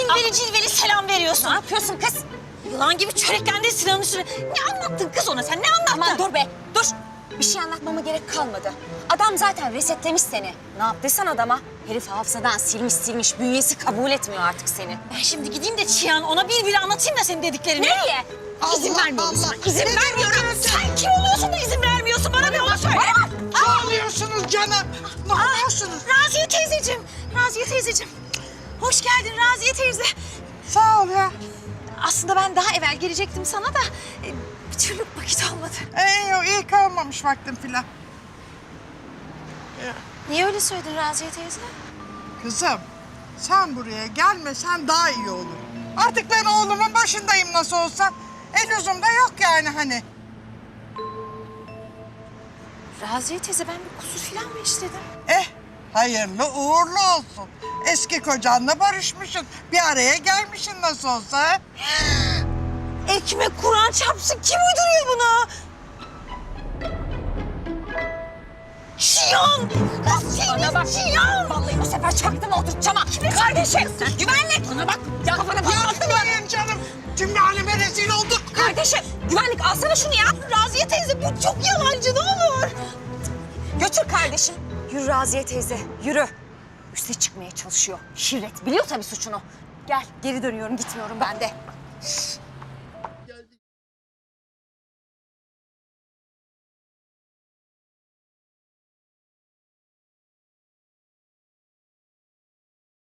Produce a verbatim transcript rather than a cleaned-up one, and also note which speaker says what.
Speaker 1: Cilveli cilveli selam veriyorsun.
Speaker 2: Ne yapıyorsun kız?
Speaker 1: Yılan gibi çöreklendin Sinan'ın üstüne. Ne anlattın kız ona sen? Ne anlattın?
Speaker 2: Aman dur be, dur. Bir şey anlatmama gerek kalmadı. Adam zaten resetlemiş seni. Ne yaptıysan adama? Herif hafızadan silmiş silmiş, bünyesi kabul etmiyor artık seni.
Speaker 1: Ben şimdi gideyim de Çiyan ona bir bir anlatayım da senin dediklerini.
Speaker 2: Nereye?
Speaker 1: İzin
Speaker 3: Allah
Speaker 1: vermiyorum
Speaker 3: Allah.
Speaker 1: sana. İzin
Speaker 3: Ne
Speaker 1: vermiyorum.
Speaker 3: diyorsun?
Speaker 1: Sen kim oluyorsun da izin vermiyorsun? Bana bir onu söyle.
Speaker 3: Ne oluyorsunuz canım? Ne oluyorsunuz?
Speaker 1: Raziye teyzeciğim. Raziye teyzeciğim. Hoş geldin Raziye teyze.
Speaker 3: Sağ ol ya.
Speaker 1: Aslında ben daha evvel gelecektim sana da e, bir türlü vakit olmadı.
Speaker 3: Ee, yok, iyi kalmamış vaktim filan.
Speaker 1: Niye öyle söyledin Raziye teyze?
Speaker 3: Kızım, sen buraya gelmesen daha iyi olur. Artık ben oğlumun başındayım nasıl olsa. El uzumda yok yani hani.
Speaker 1: Raziye teyze ben bir kusur falan mı işledim?
Speaker 3: Eh, hayırlı uğurlu olsun. Eski kocanla barışmışsın. Bir araya gelmişsin nasıl olsa. ha?
Speaker 1: Ekmek Kur'an çarpsın. Kim uyduruyor bunu? Şiyan! Kız
Speaker 2: Bana bak.
Speaker 1: seni Şiyan!
Speaker 2: Vallahi bu sefer çaktım oturtacağım ha. Kardeşim, güvenlik. Bana bak, ya kafana patlattın mı?
Speaker 3: Yapmayın canım. Cümle rezil olduk.
Speaker 2: Kardeşim, güvenlik alsana şunu ya.
Speaker 1: Raziye teyze bu çok yalancı ne olur.
Speaker 2: Götür kardeşim. Yürü Raziye teyze, yürü. Üste çıkmaya çalışıyor. Şirret biliyor tabii suçunu. Gel, geri dönüyorum, gitmiyorum ben de.